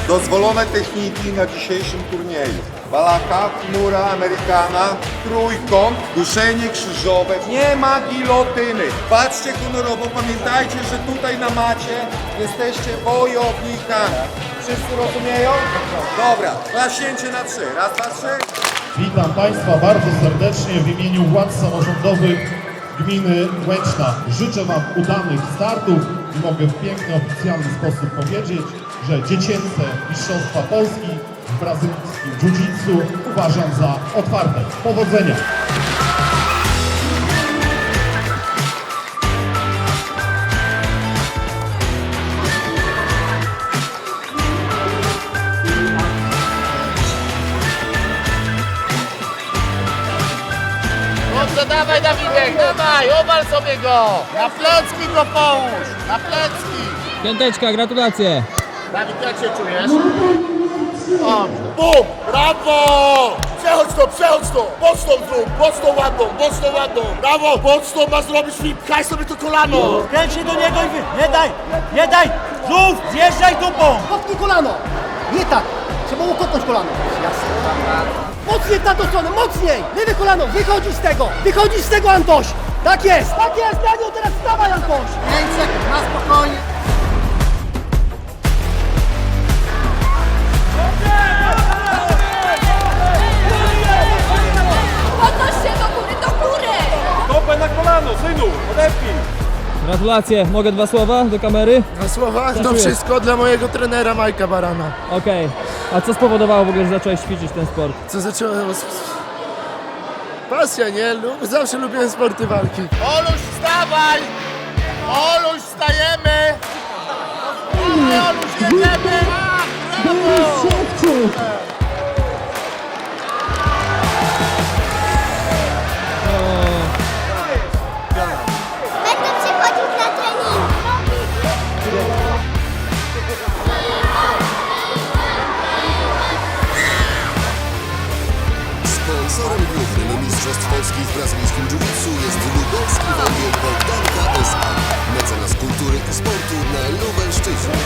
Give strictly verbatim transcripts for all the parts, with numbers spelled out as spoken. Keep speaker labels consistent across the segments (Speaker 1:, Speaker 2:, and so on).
Speaker 1: Dozwolone techniki na dzisiejszym turnieju. Balaka, chmura, amerykana, trójkąt, duszenie krzyżowe. Nie ma gilotyny. Patrzcie honorowo, pamiętajcie, że tutaj na macie jesteście wojownikami. Wszyscy rozumieją? Dobra, klaśnięcie na trzy. Raz, dwa, trzy.
Speaker 2: Witam Państwa bardzo serdecznie w imieniu władz samorządowych gminy Łęczna. Życzę Wam udanych startów i mogę w piękny, oficjalny sposób powiedzieć, że dziecięce Mistrzostwa Polski w brazylijskim jiu-jitsu uważam za otwarte. Powodzenia!
Speaker 3: Dobrze, dawaj Dawidek, dawaj, obal sobie go! Na plecki go połóż, na plecki!
Speaker 4: Piąteczka, gratulacje!
Speaker 3: Dawid, jak się czujesz? O, bum, brawo! Przechodź to, przechodź to! Mocną zrób, mocną ładną, mocną ładną! Brawo, mocną ma zrobić flip, pchaj sobie to kolano!
Speaker 5: Kręć się do niego i wy... Nie daj! Nie daj! Żółw! Zjeżdżaj dupą!
Speaker 6: Kopnij kolano! Nie tak! Trzeba było kopnąć kolano. Jasne. Mocniej w tamtą stronę, mocniej! Lewe kolano, wychodzisz z tego! Wychodzisz z tego, Antoś! Tak jest! Tak jest, Daniel, teraz wstawaj, Antoś! pięć sekund, na spokojnie!
Speaker 7: Podnoś się do góry, do góry!
Speaker 8: Stopę na kolano, synu, odepnij!
Speaker 4: Gratulacje, mogę dwa słowa do kamery?
Speaker 3: Dwa słowa? To
Speaker 4: Dziękuję.
Speaker 3: wszystko dla mojego trenera Majka Barana.
Speaker 4: Okej. A co spowodowało w ogóle, że zacząłeś ćwiczyć ten sport?
Speaker 3: Co zacząłem... Pasja, nie? Lub... Zawsze lubiłem sporty walki. Oluś, wstawaj! Oluś, wstajemy! Oluś, jedziemy! Brawo!
Speaker 7: Będę przychodził na trening.
Speaker 9: Sponsorem głównym Mistrzostw Polski w brazylijskim jiu-jitsu jest lubelski węgiel Bogdanka S A, mecenas kultury i sportu na Lubelszczyźnie.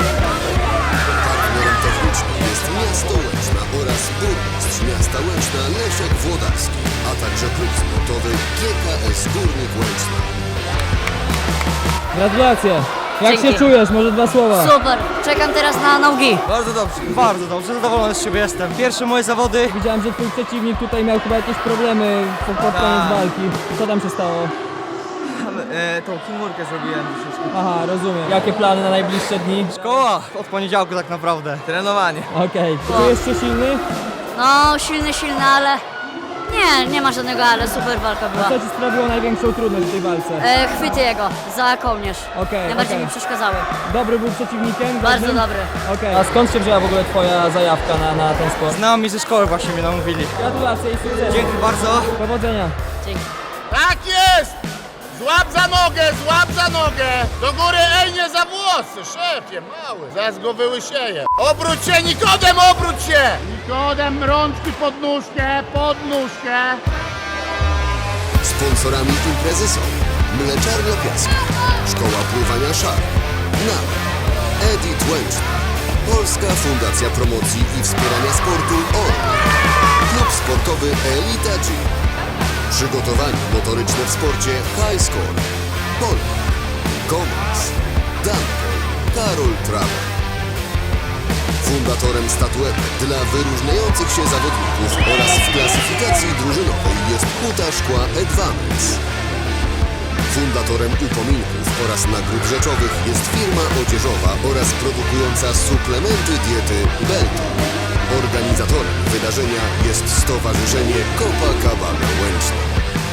Speaker 9: Partnerem technicznym jest miasto Łęczna oraz burmistrz miasta Łęczna Leszek Włodarski, a także klub sportowy G K S Górnik Łęczna.
Speaker 4: Gratulacje! Jak
Speaker 10: Dzięki.
Speaker 4: się czujesz? Może dwa słowa?
Speaker 10: Super, czekam teraz na nogi.
Speaker 5: Bardzo dobrze, bardzo dobrze, zadowolony z siebie jestem. Pierwsze moje zawody.
Speaker 4: Widziałem, że twój przeciwnik tutaj miał chyba jakieś problemy pod pod koniec
Speaker 5: Tak.
Speaker 4: walki. Co tam się stało?
Speaker 5: E, tą kimurkę zrobiłem troszeczkę.
Speaker 4: Aha, rozumiem. Jakie plany na najbliższe dni?
Speaker 5: Szkoła od poniedziałku tak naprawdę. Trenowanie.
Speaker 4: Okej. Czujesz się silny?
Speaker 10: No, silny, silny, ale... Nie, nie ma żadnego ale, super walka była.
Speaker 4: Co ci sprawiło największą trudność w tej walce?
Speaker 10: E, chwyty jego, za kołnierz.
Speaker 4: Okej,
Speaker 10: Najbardziej
Speaker 4: okej.
Speaker 10: mi przeszkadzały.
Speaker 4: Dobry był przeciwnikiem?
Speaker 10: Bardzo
Speaker 4: Godnym?
Speaker 10: dobry.
Speaker 4: Okej. A skąd się wzięła w ogóle twoja zajawka na, na ten sport?
Speaker 5: Znajomi ze szkoły właśnie mnie namówili.
Speaker 4: Gratulacje i sukcesu.
Speaker 5: Dzięki bardzo.
Speaker 4: Powodzenia.
Speaker 10: Dzięki.
Speaker 3: Tak jest! Złap za nogę, złap za nogę! Do góry, ej, nie za włosy, szefie, mały. Zaraz go wyłysieje. Obróć się, Nikodem, obróć się! Nikodem, rączki pod nóżkę, pod nóżkę.
Speaker 9: Sponsorami imprezy są Mleczarnia Piaska, Szkoła Pływania Szar, N A M, Edit Łęczna, Polska Fundacja Promocji i Wspierania Sportu O R M, Klub Sportowy Elita Gym, Przygotowanie motoryczne w sporcie High Score, Pol, Gomez, Danko, Karol Trawa. Fundatorem statuetek dla wyróżniających się zawodników oraz w klasyfikacji drużynowej jest Huta Szkła Advance. Fundatorem upominków oraz nagród rzeczowych jest firma odzieżowa oraz produkująca suplementy diety Belton. Organizatorem wydarzenia jest Stowarzyszenie Copacabana Łęczna.